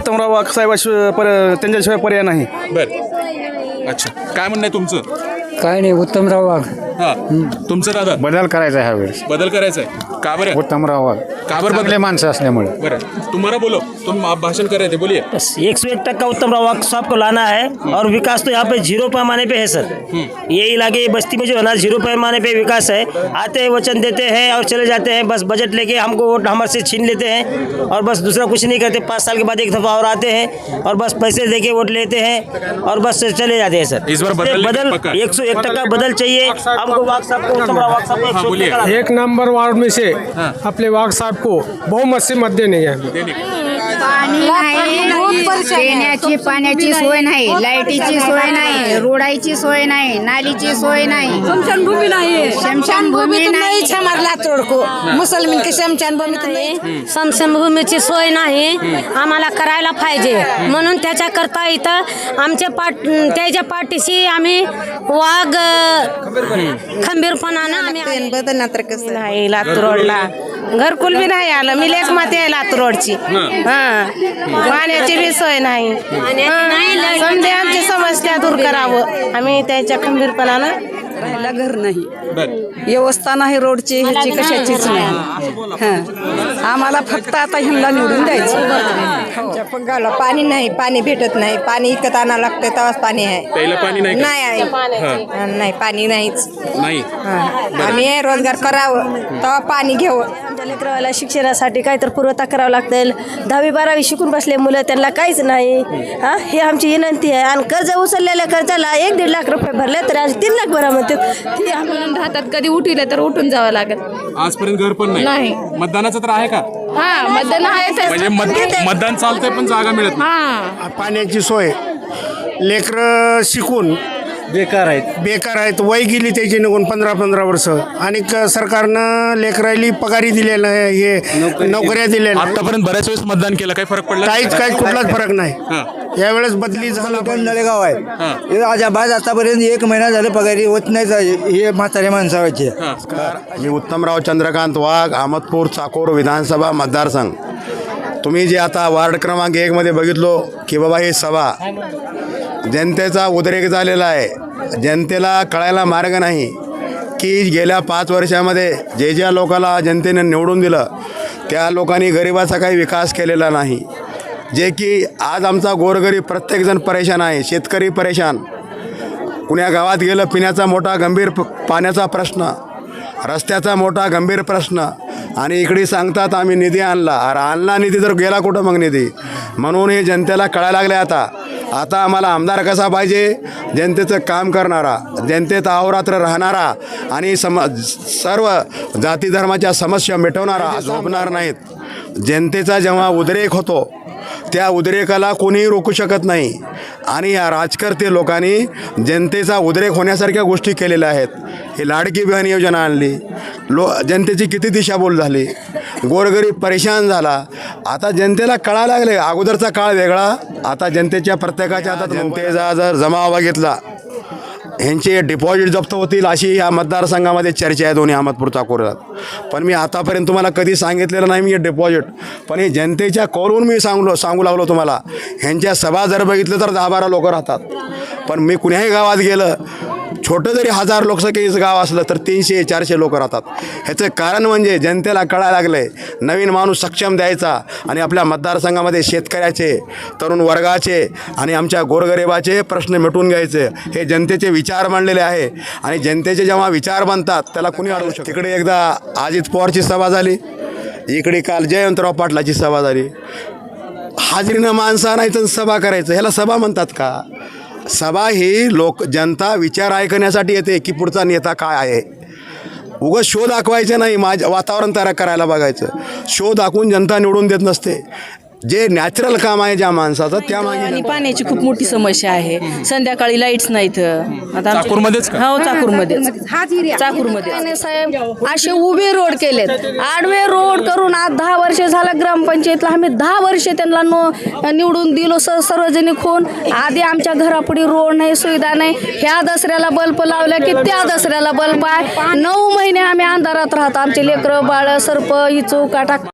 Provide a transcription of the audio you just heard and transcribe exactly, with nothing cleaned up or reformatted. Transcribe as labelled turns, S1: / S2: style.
S1: उत्तमराव वाघ साहेबाशिवाय पर त्यांच्याशिवाय पर्याय नाही.
S2: बर अच्छा काय म्हणणं आहे तुमचं?
S3: काय नाही, उत्तमराव वाघ.
S2: हा तुमचं दादा
S4: बदल करायचा आहे ह्यावेळेस.
S2: बदल करायचा आहे का बरं?
S4: उत्तमराव वाघ
S2: का बरं
S4: चांगले
S2: बदल?
S4: माणसं असल्यामुळे.
S2: बरं तुम्हारा बोलो, तुम आप भाषण कर रहे थे, बोलिए.
S5: एक सौ एक टक्का उत्तमराव वाघ साहब को लाना है और विकास तो यहाँ पे जीरो पैमाने पे है सर. ये इलाके ये बस्ती में जो है ना जीरो पैमाने पे विकास है. आते हैं वचन देते हैं और चले जाते हैं, बस बजट लेके हमको वोट हमारे से छीन लेते हैं और बस दूसरा कुछ नहीं करते. पाँच साल के बाद एक दफ़ा और आते हैं और बस पैसे दे के वोट लेते हैं और बस चले जाते हैं सर.
S2: इस बार बदलने का
S5: बदल
S2: पक्का?
S5: एक सौ एक टक्का बदल चाहिए हमको. वाघ साहब को, उत्तमराव वाघ साहब को एक
S2: हाँ,
S5: सौ एक
S2: बोलिए.
S5: टक्का लाना है.
S6: एक नंबर वार्ड में से अपने वाघ साहब को बहुमत से मत देने हैं.
S7: पाणी नाही, पिण्याची पाण्याची सोय नाही, लाईटीची सोय नाही, रोडाची सोय नाही, नालीची सोय नाही,
S8: शमशानभूमी नाही.
S7: शमशानभूमी नाही.
S8: हमारे लातूर को मुसलमान की शमशानभूमी नाही. शमशानभूमीची सोय नाही, आम्हाला करायला पाहिजे. म्हणून त्याच्याकरता इथं आमच्या पाट त्याच्या पाठीशी आम्ही वाघ खंबीरपणानं आम्ही
S7: बदलणार तर कसं
S8: नाही. लातूर रोडला घरकुल बी नाही आलं. मी लेख माते आहे लातूर रोडची. हा पाण्याची बी सोय नाही. हा. समजे आमची समस्या दूर करावं. आम्ही त्याच्या खंबीरपणानं
S9: राहायला घर नाही,
S2: बर
S9: व्यवस्था नाही, रोडची ह्याची कशाचीच नाही. हां आम्हाला फक्त आता ह्यांना निवडून द्यायचं.
S7: आमच्या पगाला पाणी नाही, पाणी भेटत नाही. पाणी इकत आणावं लागतं तेव्हाच पाणी आहे.
S2: प्यायला पाणी नाही का?
S7: नाही आहे. हा, नाही पाणी नाहीच.
S2: नाही.
S7: हा. आम्ही हे रोजगार करावं तेव्हा पाणी घ्यावं.
S8: आमच्या लेकराला शिक्षणासाठी काय तर पुरवठा करावा लागतील. दहावी बारावी शिकून बसले मुलं, त्यांना काहीच नाही. हा हे आमची विनंती आहे. आणि कर्ज उचललेल्या कर्जाला एक दीड लाख रुपये भरले तर आज तीन लाख भरा म्हणते. ते आम्हाला राहतात, कधी उठले तर उठून जावं लागत.
S2: आजपर्यंत घर पण नाही.
S8: नाही.
S2: मतदानाचं तर आहे का?
S8: हा मतदान आहे ते.
S2: म्हणजे मत- मतदान चालतंय पण जागा मिळत नाही.
S8: हा
S6: पाण्याची सोय, लेकरं शिकून
S1: बेकार आहेत.
S6: बेकार आहेत. वय गेली त्याची निघून पंधरा पंधरा वर्ष. आणि क- सरकारनं लेकराली पगारी दिलेलं आहे, हे नोकऱ्या दिलेल्या आहेत.
S2: आतापर्यंत बऱ्याच वेळेस मतदान केलं, काही फरक पडला?
S6: काहीच काहीच कुठलाच फरक नाही.
S2: हा.
S6: यावेळेस बदली झाला.
S4: नळेगाव आहे अजाबाद आतापर्यंत एक महिना झालं पगारी होत नाही. हे म्हातारे माणसाचे.
S10: मी उत्तमराव चंद्रकांत वाघ, अहमदपूर चाकोर विधानसभा मतदारसंघ. तुम्ही जे आता वार्ड क्रमांक एकमध्ये बघितलो की बाबा ही सभा जनतेचा उद्रेक झालेला आहे. जनतेला कळायला मार्ग नाही की गेल्या पाच वर्षामध्ये जे ज्या लोकांना जनतेने निवडून दिलं त्या लोकांनी गरिबाचा काही विकास केलेला नाही. जे की आज आमचा गोरगरीब प्रत्येकजण परेशान आहे. शेतकरी परेशान. कुण्या गावात गेलं पिण्याचा मोठा गंभीर प पाण्याचा प्रश्न, रस्त्याचा मोठा गंभीर प्रश्न. आणि इकडे सांगतात आम्ही निधी आणला. अरे आणला निधी तर गेला कुठं मग निधी? म्हणून हे जनतेला कळायला लागले. आता आता आम्हाला आमदार कसा पाहिजे? जनतेचं काम करणारा, जनतेत अहोरात्र राहणारा आणि सम सर्व जाती धर्माच्या समस्या मिटवणारा, झोपणार नाहीत. जनतेचा जेव्हा उद्रेक होतो त्या उद्रेकाला कोणीही रोखू शकत नाही. आणि या राजकर्ते लोकांनी जनतेचा उद्रेक होण्यासारख्या गोष्टी केलेल्या आहेत. ही लाडकी बहीण योजना आणली, लो जनतेची किती दिशाभूल झाली, गोरगरीब परेशान झाला. आता जनतेला कळायला लागले. अगोदरचा काळ वेगळा, आता जनतेच्या प्रत्येकाच्या हातात. जनतेचा जर जमाव बघितला ह्यांचे डिपॉझिट जप्त होतील अशी या मतदारसंघामध्ये चर्चा आहे दोन्ही अहमदपूर चाकोरात. पण मी आतापर्यंत तुम्हाला कधी सांगितलेलं नाही मी हे डिपॉझिट. पण हे जनतेच्या कौलून मी सांगलो सांगू लागलो तुम्हाला. ह्यांच्या सभा जर बघितलं तर दहा बारा लोक राहतात. पण मी कुण्याही गावात गेलं, छोटं जरी हजार लोकसंख्येचं गाव असलं तर तीनशे चारशे लोक राहतात. ह्याचं कारण म्हणजे जनतेला कळायला लागलं आहे नवीन माणूस सक्षम द्यायचा आणि आपल्या मतदारसंघामध्ये शेतकऱ्याचे, तरुण वर्गाचे आणि आमच्या गोरगरिबाचे प्रश्न मिटून घ्यायचे. हे जनतेचे विचार मांडलेले आहे. आणि जनतेचे जेव्हा विचार बनतात त्याला कुणी अडवू शकतो. तिकडे एकदा अजित पवारची सभा झाली, इकडे काल जयवंतराव पाटलाची सभा झाली. हाजरीनं माणसं नाही तर सभा करायचं, ह्याला सभा म्हणतात का? सभा ही लोक जनता विचार ऐकण्यासाठी येते की पुढचा नेता काय आहे. उगाच शो दाखवायचे नाही, माझं वातावरण तयार करायला बघायचं. शो दाखवून जनता निवडून देत नसते. जे नॅचरल काम आहे ज्या माणसाचं त्या मागे.
S9: आणि पाण्याची खूप मोठी समस्या आहे. संध्याकाळी लाईट्स नाहीत. आता
S2: चाकूरमध्येच का?
S9: हो चाकूरमध्येच चाकूरमध्ये
S8: साहेब असे उभे रोड केलेत, आडवे रोड करून आज दहा वर्ष झालं ग्रामपंचायतला. आम्ही दहा वर्ष त्यांना नो निवडून दिलो स सार्वजनिक होऊन. आधी आमच्या घरापुढे रोड नाही, सुविधा नाही. ह्या दसऱ्याला बल्ब लावल्या की त्या दसऱ्याला बल्ब आहे. नऊ महिने आम्ही अंधारात राहतो. आमचे लेकरं बाळ सर्प इचू काटा